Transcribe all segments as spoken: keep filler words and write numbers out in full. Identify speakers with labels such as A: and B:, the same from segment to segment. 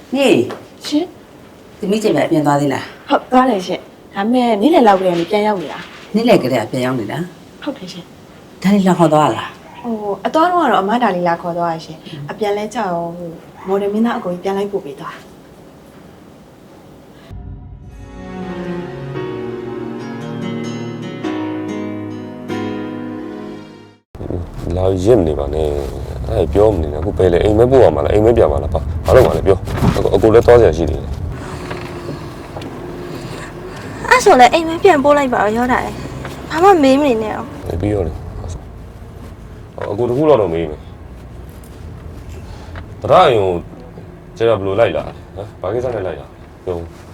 A: 你，
B: 是，
A: 你没这边变大的啦？
B: 好，多嘞是，他们你来老个你变要的啦？
A: 你来个的变样的啦？
B: 好嘞是。
A: 他你两好多啦？
B: 哦，啊，多少了？妈大里拉考多少些？啊，变来找我的名那个变来不背的。
C: လာရင့်နေပါနဲ့အဲ့ပြောမနေနဲ့အခုပဲလေအိမ်မဲပို့ရမှာလားအိမ်မဲပြန်မှာလားပါဘာလို့မှလဲပြောအကိုလည်းသွားစရာရှိတယ်
D: အဲ့ဆိုလည်းအိမ်မဲပြန်ပို့လိုက်ပါတော့ရောတာလေဘာမှမေးမနေနဲ့အောင်
C: ပြီးရောလေအကိုတခုတော့တော့မေးမယ်တရရင်ကျတော့ဘယ်လိုလိုက်လာဟမ်ဘာကိစ္စနဲ့လိုက်လာပြော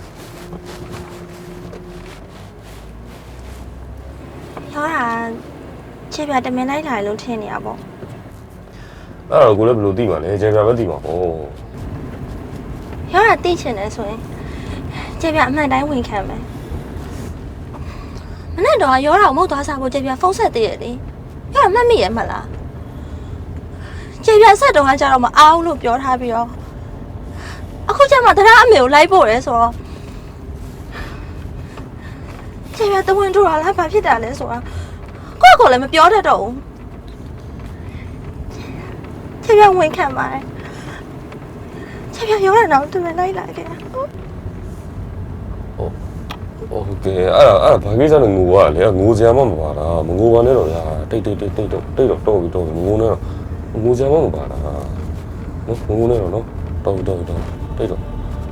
D: ရောတာခြေပြတမင်လိုက်လာလို့ထင်နေရပေါ့
C: အဲ့တော့ကိုလည်းဘယ်လိုသိမှာလဲကျေပြပဲသိမှာပေါ့
D: ရောတာသိချင်တယ်ဆိုရင်ခြေပြအမှန်တိုင်းဝင်ခံမယ်မနေ့တော့ရောတာကိုမဟုတ်သွားစားဖို့ခြေပြဖုန်းဆက်သေးရဲ့လေရောတာမှတ်မိရဲ့မလားခြေပြဆက်တော့ကကြတော့မအားဘူးလို့ပြောထားပြီးတော့အခုကျမှတရားအမေကိုလိုက်ဖို့ရဲဆိုတော့ခြေပြတဝင်ထူတာလားဘာဖြစ်တာလဲဆိုတော့ကိုယ့်ကိုယ်လည်းမပြောတတ်တော့ဘူးခြေပြဝင်ခံပါတယ်ခြေပြရောတာတော့သူလည်းလိုက်လာခဲ့
C: ဟုတ်โอเคအဲ့ဒါအဲ့ဒါဘာကိစ္စလဲငိုရလေငိုစရာမှမပါတာမငိုပါနဲ့တော့ညာတိတ်တိတ်တိတ်တိတ်တော့တိတ်တော့တော့ပြီးတော့ငိုနေတော့ငိုစရာမှမပါတာနော်ငိုနေတော့နော်တော့တော့တော့တိတ်တော့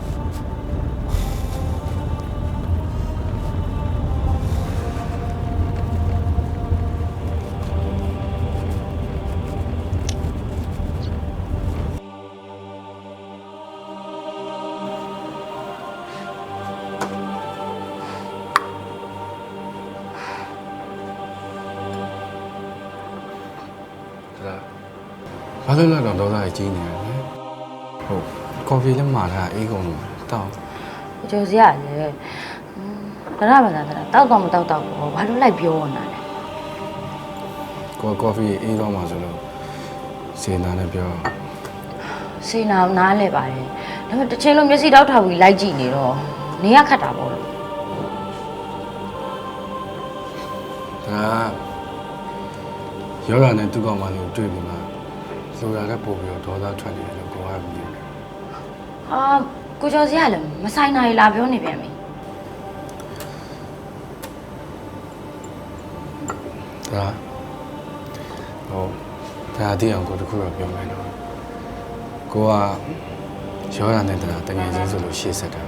E: ဘာလို့လဲတော့ဒေါသကြီးနေရလဲဟုတ်ကော်ဖီလည်းမှာထားအေးကုန်လို့တောက်
F: ကျော်စရလေဒါရပါလားဒါတောက်တော့မတောက်တော့ဘူးဘာလို့လိုက်ပြောနေတာလဲ
E: ကိုကော်ဖီအေးတော့မှဆိုလို့စေနာနဲ့ပြော
F: စေနာနားလဲပါတယ်ဒါပေမဲ့တစ်ချိန်လုံးမျက်စိတောက်ထောက်ပြီးလိုက်ကြည့်နေတော့နေရခတ်တာပေါ့လို့
E: ဒါရောဂါနဲ့သူ့ကောင်မလေးကိုတွေ့ပြီးမှလိုရတဲ့ပို့ပြီးတော့ဒေါသထွက်နေတယ်လို့ကိုကမြင်တယ်
F: ဟာကိုကျော်စရလည်းမဆိုင်နိုင်လာပြောနေပြန်ပြီ
E: ဒါဟုတ်ဒါအတိအောင်ကိုတခုတော့ပြောမယ်နော်ကိုကရောဂါနဲ့တနာတငယ်ချင်းဆိုလို့ရှေ့ဆက်တာ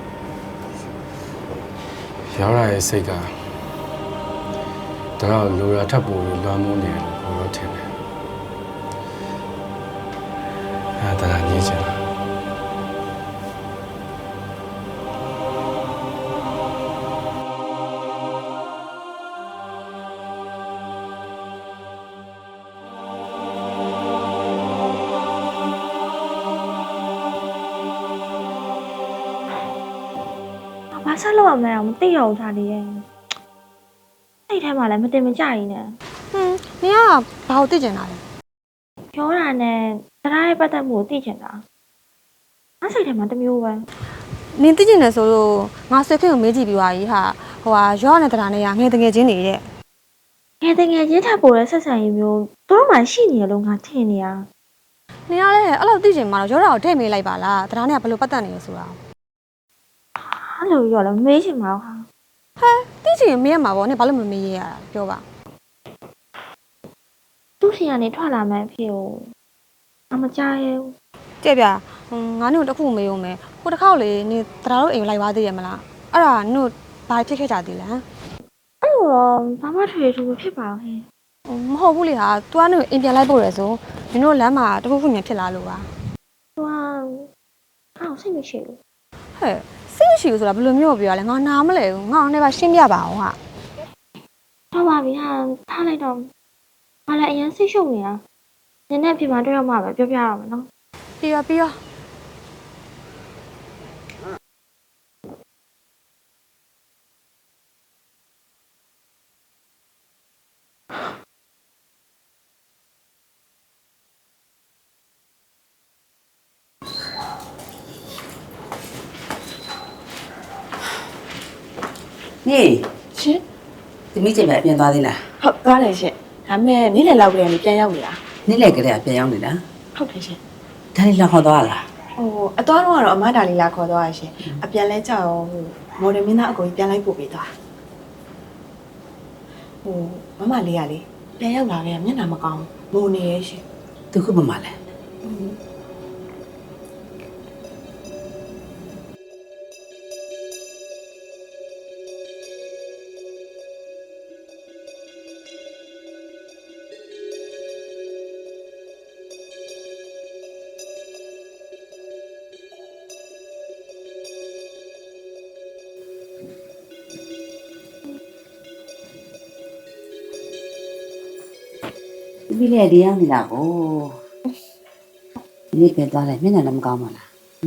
E: ရောဂါရဲ့စိတ်ကဒါတော့လိုရထပ်ပို့ပြီးလွှမ်းမိုးနေတယ်လို့ကိုတော့ထင်တယ်အဲ့ဒါညစ်ချင်တာ
D: ဘာဆက်လို့ရမလဲမသိတော့ထားသေးရဲ့စိတ်ထဲမှာလည်းမတင်မကြရင်နဲ့
G: ဟင်းနင်ကဘာကိုသိကျင်တာလဲ
D: ပြောတာနဲ့တရားရဲ့ပတ်သက်မှုကိုသိချင်တာငါစိတ်ထဲမှာတမျိုးပဲ
G: နင်သိကျင်တယ်ဆိုလို့ငါဆွေခင်ကိုမေးကြည့်ပြီးသွားပြီဟာဟိုဟာရောနဲ့တရားနဲ့ကငယ်တငယ်ချင်းနေတဲ့
D: ငယ်တငယ်ချင်းထပ်ပေါ်တဲ့ဆက်ဆံရေးမျိုးတို့မှရှိနေရလို့ငါထင်နေရ
G: နင်ကလည်းအဲ့လိုသိကျင်မှာတော့ရောတာကိုထည့်မေးလိုက်ပါလားတရားနဲ့ကဘယ်လိုပတ်သက်နေလဲဆိုတာ
D: အဲ့လိုရောလည်းမေးချင်မှာဟာ
G: ဟဲသိချင်မေးရမှာပေါ့နင်ဘာလို့မမေးရရတာပြောပါ
D: သူ့စီကနေထွက်လာမှန်းဖြစ်ကိုအမကြားရဲဘူး
G: ကြည့်ပြငါတို့တခုမေးဦးမယ်ဟိုတစ်ခေါက်လေနင်တရားတို့အိမ်ကိုလိုက်သွားသေးရမလားအဲ့ဒါနင်ဘာဖြစ်ခဲ့ကြသေးလဲ
D: အဲ့လိုတော့ဘာမှထွေထူးမဖြစ်ပါဘူးဟဲ့
G: မဟုတ်ဘူးလေဟာ तू ကနင်အိမ်ပြန်လိုက်ပို့ရယ်ဆိုနင်တို့လမ်းမှာတခုခုမြန်ဖြစ်လာလို့ပါ
D: तू ကအော်စိတ်မရှိဘူး
G: ဟဲ့စိတ်မရှိဘူးဆိုတာဘယ်လိုမျိုးပြောရလဲငါနားမလဲဘူးငါလည်းပါရှင်းပြပါအောင်ဟာ
D: တော့ပါပြီဟာထားလိုက်တော့ငါလည်းအရင်စိတ်ရှုပ်နေတာနင်းနဲ့ပြင်မှာတွေ့ရမှာပဲပြောပြရမှာနော်
G: ပြီးရောပြီးရော
A: နေ
B: ရှင်
A: သမီးကျင်ပဲပြင်သွားသေးလား
B: ဟုတ်သွားတယ်ရှင်ဒါပေမဲ့နေ့လည်လောက်ကလေးကနေပြန်ရောက်နေတာ
A: နေ့လည်ကလေးကပြင်ရောက်နေတာ
B: ဟုတ်တယ်ရှင်
A: ဒါလေးလာခေါ်သွားလား
B: ဟိုအသွားတော့ကတော့အမဒါလေးလာခေါ်သွားရရှင်အပြန်လဲကြောက်ဟိုမော်ဒယ်မင်းသားအကိုကြီးပြန်လိုက်ပို့ပေးသွားဟိုမမလေးကလေပြန်ရောက်လာခဲ့မျက်နှာမကောင်းဘူးမိုးနေရဲ့ရှင်
A: သူခုမှမလဲ ဒီလေဒီရောက်နေတာကိုဒီပြန်သွားတယ်မျက်နှာလည်းမကောင်းပါလား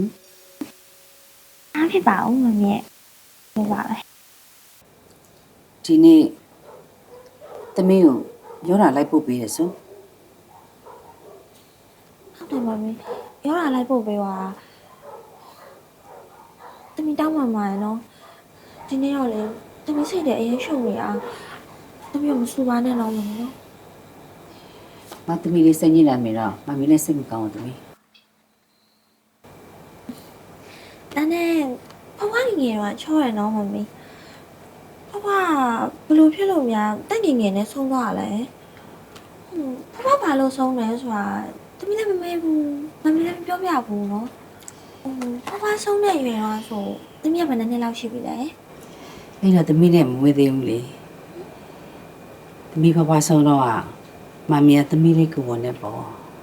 G: အားဖြစ်ပါဦးမမြဲဟုတ်ပါလေ
A: ဒီနေ့သမီးကိုရောတာလိုက်ပို့ပေးရဆို
G: ဟုတ်တယ်မမီရောလာလိုက်ပို့ပေးပါတမီတောင်းမှမှာရနော်ဒီနေ့တော့လေတမီစိတ်တဲ့အရင်ရှုံနေအောင်တမီမစူပါနဲ့တော့မနော်
A: မသမီးလေးစိတ်ညစ်လာမိတော့မမီးလည်းစိတ်မကောင်းဘူးသမီး
G: ဒါနဲ့ဘဝငယ်ကချောရနော်မမီဘဝဘလို့ဖြစ်လို့များတက်ငယ်ငယ်နဲ့ဆုံးသွားရလဲဘဝဘာလို့ဆုံးလဲဆိုတာတမီလည်းမမေးဘူးမမီလည်းမပြောပြဘူးနော်ဟိုဘဝဆုံးတဲ့ရွယ်တော့ဆိုတမီကဘယ်နှစ်နှစ်လောက်ရှိပြီလဲ
A: အဲ့တော့သမီးနဲ့မမွေးသေးဘူးလေသမီးဘဘဆုံးတော့อ่ะမမီးကသမီးလေးကိုဝင်နေပေါ့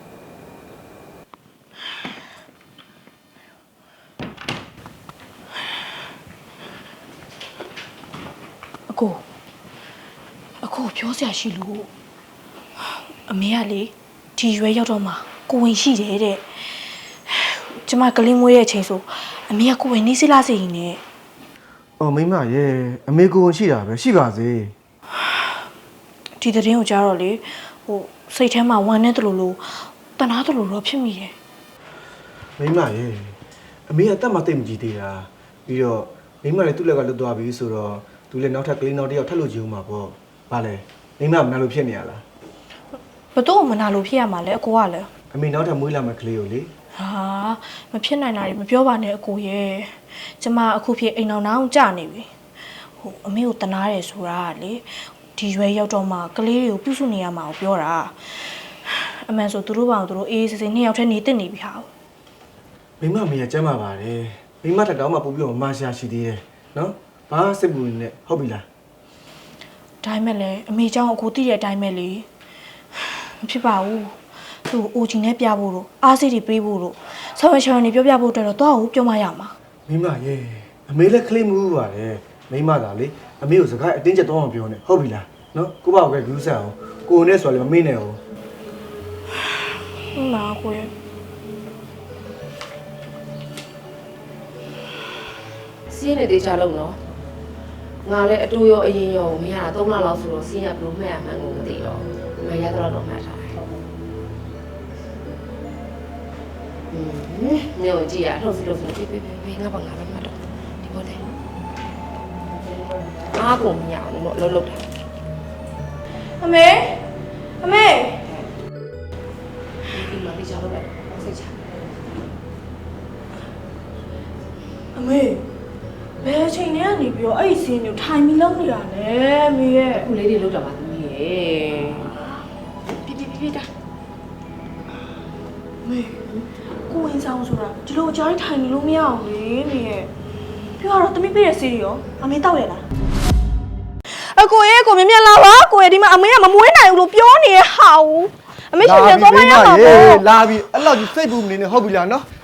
H: အကိုအကိုပြောစရာရှိလို့အမေကလေဒီရွယ်ရောက်တော့မှကိုဝင်ရှိတယ်တဲ့ကျမကလေးမွေးရဲ့အချိန်ဆိုအမေကကိုဝင်နေစိလားစိရင်နဲ့
I: အော်မိမရဲ့အမေကိုရှိတာပဲရှိပါစေ
H: ဒီသတင်းကိုကြားတော့လေဟိုစိတ်ထဲမှာဝမ်းနေတယ်လို့လို့တနာတယ်လို့တော့ဖြစ်မိတယ်
I: မိမရဲ့အမေကတတ်မှတိတ်မကြည့်သေးတာပြီးတော့မိမလည်းသူ့လက်ကလွတ်သွားပြီဆိုတော့သူလည်းနောက်ထပ်ကလေးနောက်တစ်ယောက်ထပ်လို့ကြည့်ဦးမှာပေါ့ဗာလဲမိမမနာလို့ဖြစ်နေရလား
H: ဘသူ့ကိုမနာလို့ဖြစ်ရမှာလဲအကိုကလည်း
I: အမေနောက်ထပ်မွေးလာမယ့်ကလေးကိုလေ
H: ဟာမဖြစ်နိုင်တာတွေမပြောပါနဲ့အကိုရဲ့ကျမအခုဖြစ်အိမ်အောင်အောင်ကြာနေပြီဟိုအမေကိုတနာတယ်ဆိုတာကလေဒီရွယ်ရောက်တော့မှကလေးတွေကိုပြုစုနေရမှာကိုပြောတာအမှန်ဆိုသူတို့ဘာလို့သူတို့အေးအေးဆေးဆေးနှစ်ယောက်တည်းနေတက်နေပြီဟာ
I: မိမမေကကျမ်းပါပါတယ်မိမတက်တော့မှပို့ပြီးတော့မရှာရှိသေးတယ်နော်ဘာစိတ်ပူနေနဲ့ဟုတ်ပြီလား
H: ဒါမှလည်းအမေเจ้าအကိုသိတဲ့အတိုင်းပဲလေမဖြစ်ပါဘူးသူ့အိုချင်နဲ့ပြဖို့လို့အားစိတ်တွေပေးဖို့လို့ဆောင်းရချောင်းနေပြောပြဖို့အတွက်တော့တော့ပြောမှရမှာ
I: မိမရဲ့အမေလည်းကလေးမူးပါတယ်မိမသာလေအမေကိုစကားအတင်းကျပ်တော့မပြောနဲ့ဟုတ်ပြီလားနော်ကိုပေါ့ကဂူးဆက်အောင်ကိုနဲ့ဆိုလည်းမမေ့နဲ့အောင်
H: ဟုတ်လားကိုရဲ့
F: စီးရင်တေချာလုံးနော်ငါလည်းအတူရောအရင်ရောမရတာသုံးလလောက်ဆိုတော့စီးရဘလို့မှတ်ရမှန်းကိုမသိတော့မရတော့တော့မှတ်ထားတယ်อืมညိုကြည့်ရလှုပ်စီလှုပ်စီပြေးပြေးပြေးငါဘာငါပဲမှတ်တော့ဒီပေါ်တယ်အားကုန်မရဘူးတော့လှုပ်လှုပ်တယ်
H: အမေအမေ
F: ဒီမှာတေချာလုံးလိုက်စိတ်ချ
H: အမေဘယ်အချိန်နဲ့ကနေပြီးတော့အဲ့ဒီစင်းကိုထိုင်ပြီးလုံးနေတာလဲအမေရဲ့
F: ခုလေးတွေလှုပ်တာပါသမီးရဲ့
H: ပြေးပြေးပြေးတာအမေကိုဝင်ဆောင်ဆိုတာဒီလိုအကြားထိုင်နေလို့မရအောင်လေအမေရဲ့ပြောတော့သမီးပေးတဲ့စီးရောအမေတောက်ရလားအကိုရဲ့ကိုမြင်မြင်လာပါကိုရဲ့ဒီမှာအမေကမမွေးနိုင်ဘူးလို့ပြောနေရဟာဦးအမေရှင်ပြန်သွားမရပါဘူး
I: လာပြီအဲ့လောက်ကြီးစိတ်ပူမနေနဲ့ဟုတ်ပြီလားနော်